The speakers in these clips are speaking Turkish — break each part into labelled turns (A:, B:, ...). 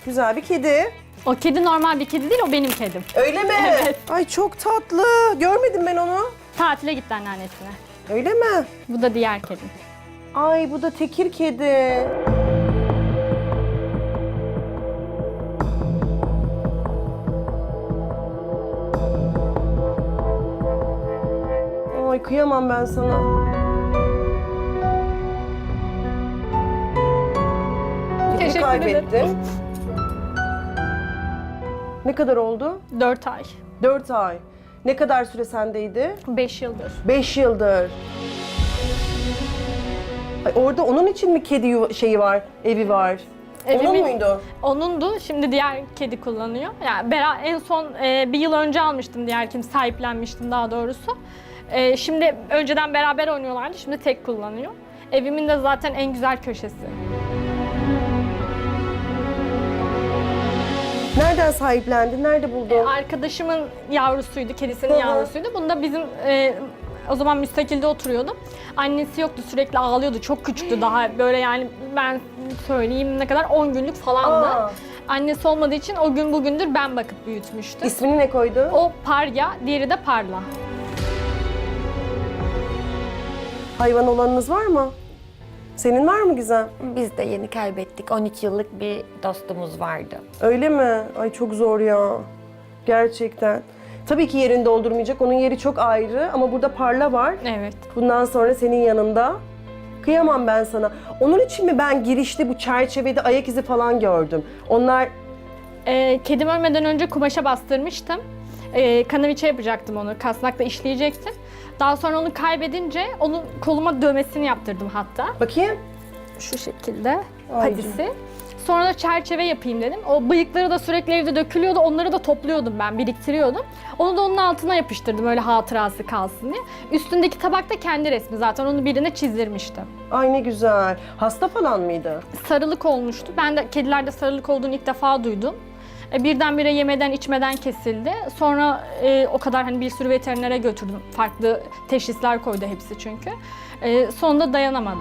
A: güzel bir kedi.
B: O kedi normal bir kedi değil, o benim kedim.
A: Öyle mi?
B: Evet.
A: Ay çok tatlı. Görmedim ben onu.
B: Tatile gitti anneannesine.
A: Öyle mi?
B: Bu da diğer kedim.
A: Ay bu da tekir kedi. Ay kıyamam ben sana. Kedi
B: Teşekkür
A: kaybettin. Ne kadar oldu?
B: 4 ay.
A: 4 ay. Ne kadar süre sendeydi?
B: 5 yıldır.
A: 5 yıldır. Ay, orada onun için mi kedi şeyi var, evi var? Onun
B: Evimin-
A: muydu?
B: Onundu, şimdi diğer kedi kullanıyor. Yani en son bir yıl önce almıştım, diğer kim sahiplenmiştim daha doğrusu. Şimdi önceden beraber oynuyorlardı, şimdi tek kullanıyor. Evimin de zaten en güzel köşesi.
A: Nereden sahiplendin? Nerede buldun?
B: Arkadaşımın yavrusuydu, kedisinin
A: Hı hı.
B: yavrusuydu. Bunu da bizim o zaman müstakilde oturuyordum. Annesi yoktu, sürekli ağlıyordu. Çok küçüktü daha, böyle yani ben söyleyeyim ne kadar 10 günlük falandı.
A: Aa.
B: Annesi olmadığı için o gün bugündür ben bakıp büyütmüştüm.
A: İsmini ne koydu?
B: O Parya, diğeri de Parla.
A: Hayvan olanınız var mı? Senin var mı Gizem?
C: Biz de yeni kaybettik. 13 yıllık bir dostumuz vardı.
A: Öyle mi? Ay çok zor ya. Gerçekten. Tabii ki yerini doldurmayacak. Onun yeri çok ayrı ama burada Parla var.
B: Evet.
A: Bundan sonra senin yanında. Kıyamam ben sana. Onun için mi ben girişte bu çerçevede ayak izi falan gördüm? Onlar
B: Kedim ölmeden önce kumaşa bastırmıştım. Kanaviçe yapacaktım onu, kasnakla işleyecektim. Daha sonra onu kaybedince onun koluma dövmesini yaptırdım hatta.
A: bakayım.
B: Şu şekilde
A: Ay
B: patisi. Sonra da çerçeve yapayım dedim. O bıyıkları da sürekli evde dökülüyordu. Onları da topluyordum ben, biriktiriyordum. Onu da onun altına yapıştırdım öyle hatırası kalsın diye. Üstündeki tabak da kendi resmi zaten. Onu birine çizdirmiştim.
A: Ay ne güzel. Hasta falan mıydı?
B: Sarılık olmuştu. Ben de kedilerde sarılık olduğunu ilk defa duydum. Birdenbire yemeden içmeden kesildi. Sonra o kadar hani bir sürü veterinere götürdüm. Farklı teşhisler koydu hepsi çünkü. Sonunda dayanamadı.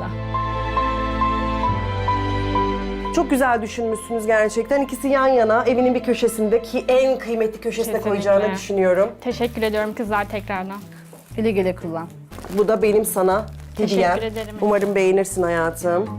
A: Çok güzel düşünmüşsünüz gerçekten. İkisi yan yana evinin bir köşesinde ki en kıymetli köşesine
B: Kesinlikle.
A: koyacağını düşünüyorum.
B: Teşekkür ediyorum kızlar tekrardan.
D: Güle güle kullan.
A: Bu da benim sana hediyem.
B: Teşekkür ederim.
A: Umarım beğenirsin hayatım.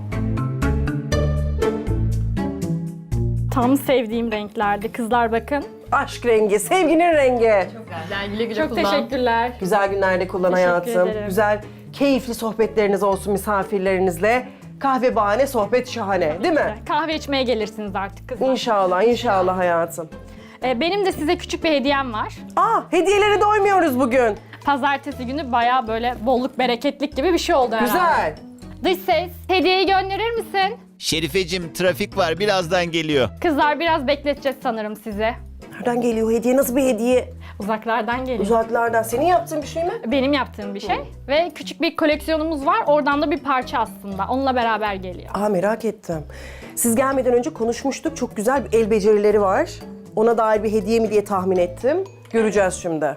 B: Tam sevdiğim renklerdi. Kızlar bakın.
A: Aşk rengi, sevginin rengi.
D: Güle güle
B: Çok teşekkürler.
A: Güzel günlerde kullan
B: Teşekkür
A: hayatım.
B: ederim.
A: Güzel, keyifli sohbetleriniz olsun misafirlerinizle. Kahve bahane, sohbet şahane değil mi?
B: Kahve içmeye gelirsiniz artık kızlar.
A: İnşallah, inşallah hayatım.
B: Benim de size küçük bir hediyem var.
A: Hediyelere doymuyoruz bugün.
B: Pazartesi günü bayağı böyle bolluk bereketlik gibi bir şey oldu herhalde.
A: Güzel.
B: Dış ses, hediyeyi gönderir misin?
E: Şerifeciğim trafik var birazdan geliyor.
B: Kızlar biraz bekleteceğiz sanırım sizi.
A: Nereden geliyor hediye? Nasıl bir hediye?
B: Uzaklardan geliyor.
A: Uzaklardan. Senin yaptığın bir şey mi?
B: Benim yaptığım bir şey. Ve küçük bir koleksiyonumuz var. Oradan da bir parça aslında. Onunla beraber geliyor.
A: Merak ettim. Siz gelmeden önce konuşmuştuk. Çok güzel bir el becerileri var. Ona dair bir hediye mi diye tahmin ettim. Göreceğiz şimdi.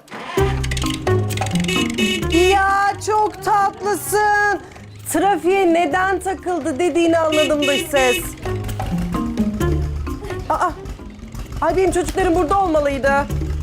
A: Ya çok tatlısın. Trafiğe neden takıldı dediğini anladım dış ses. Ay benim çocuklarım burada olmalıydı.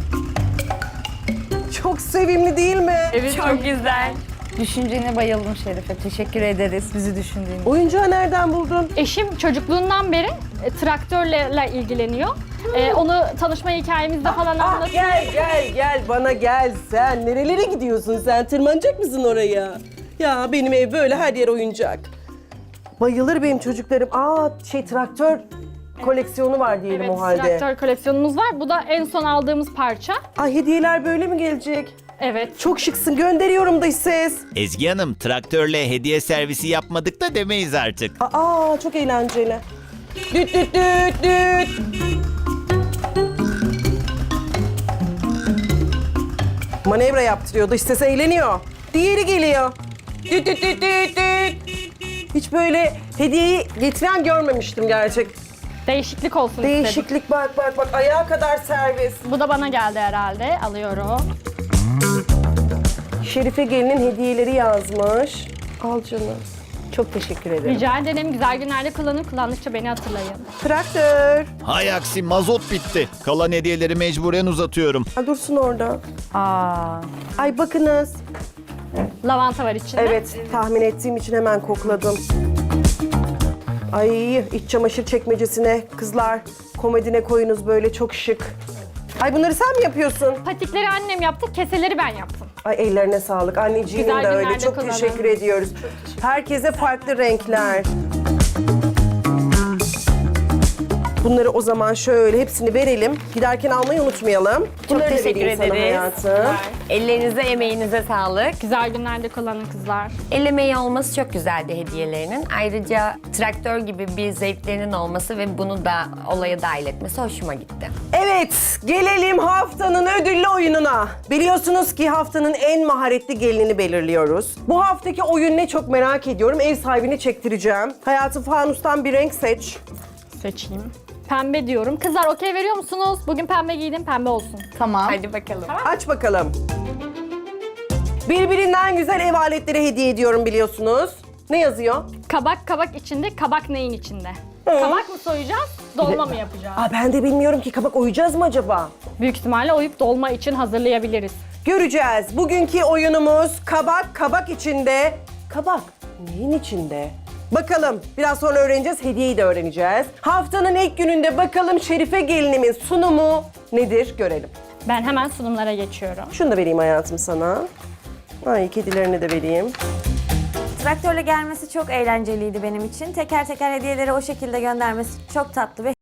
A: Çok sevimli değil mi?
B: Evet, çok güzel.
D: Düşüncene bayıldım Şerife. Teşekkür ederiz bizi düşündüğün için.
A: Oyuncağı nereden buldun?
B: Eşim çocukluğundan beri traktörle ilgileniyor. Onu tanışma hikayemizde falan anlatıyor.
A: Gel bana gel sen. Nerelere gidiyorsun sen? Tırmanacak mısın oraya? Ya benim ev böyle her yer oyuncak. Bayılır benim çocuklarım. Traktör koleksiyonu var diyelim
B: Evet,
A: o halde.
B: traktör koleksiyonumuz var. Bu da en son aldığımız parça.
A: Ay hediyeler böyle mi gelecek?
B: Evet.
A: Çok şıksın. Gönderiyorum dış ses.
E: Ezgi Hanım traktörle hediye servisi yapmadık da demeyiz artık.
A: Çok eğlenceli. Düt düt düt düt. Manevra yaptırıyor. Dış ses eğleniyor. Diğeri geliyor. Düt düt düt düt düt. Hiç böyle hediyeyi getiren görmemiştim gerçek.
B: Değişiklik olsun istedim.
A: Değişiklik bak ayağa kadar servis.
B: Bu da bana geldi herhalde. Alıyorum.
A: Şerife gelinin hediyeleri yazmış. Al canım. Çok teşekkür ederim.
B: Rica ederim. Güzel günlerde kullanın. Kullandıkça beni hatırlayın.
A: Traktör.
E: Hay aksi mazot bitti. Kalan hediyeleri mecburen uzatıyorum.
A: Ha, dursun orada.
D: Aa,
A: Ay bakınız.
B: Lavanta var içinde.
A: Evet, tahmin ettiğim için hemen kokladım. Ay, iç çamaşır çekmecesine kızlar komodine koyunuz böyle çok şık. Ay bunları sen mi yapıyorsun?
B: Patikleri annem yaptı, keseleri ben yaptım.
A: Ay ellerine sağlık. Anneciğim
B: Güzel
A: de öyle.
B: günlerde
A: Çok
B: kullanın.
A: teşekkür ediyoruz. Herkese farklı renkler. Bunları o zaman şöyle hepsini verelim. Giderken almayı unutmayalım. Bunları da
C: teşekkür
A: vereyim sana
C: ederiz.
A: hayatım.
C: Ellerinize, emeğinize sağlık.
B: Güzel günlerde kullanın kızlar.
C: El emeği olması çok güzeldi hediyelerinin. Ayrıca traktör gibi bir zevklerinin olması ve bunu da olaya dahil etmesi hoşuma gitti.
A: Evet, gelelim haftanın ödüllü oyununa. Biliyorsunuz ki haftanın en maharetli gelinini belirliyoruz. Bu haftaki oyun ne çok merak ediyorum. Ev sahibini çektireceğim. Hayatım fanustan bir renk seç.
B: Seçeyim. Pembe diyorum. Kızlar okey veriyor musunuz? Bugün pembe giydim, pembe olsun.
D: tamam.
C: Hadi bakalım.
A: Aç bakalım. Birbirinden güzel ev aletleri hediye ediyorum biliyorsunuz. Ne yazıyor?
B: Kabak içinde, kabak neyin içinde? Kabak mı soyacağız, dolma mı yapacağız?
A: Aa, ben de bilmiyorum ki kabak oyacağız mı acaba?
B: Büyük ihtimalle oyup dolma için hazırlayabiliriz.
A: Göreceğiz. Bugünkü oyunumuz kabak içinde. Kabak neyin içinde? Bakalım biraz sonra öğreneceğiz, hediyeyi de öğreneceğiz. Haftanın ilk gününde bakalım Şerife gelinimin sunumu nedir görelim.
B: Ben hemen sunumlara geçiyorum.
A: Şunu da vereyim hayatım sana. Ay kedilerini de vereyim.
F: Traktörle gelmesi çok eğlenceliydi benim için. Teker teker hediyeleri o şekilde göndermesi çok tatlı ve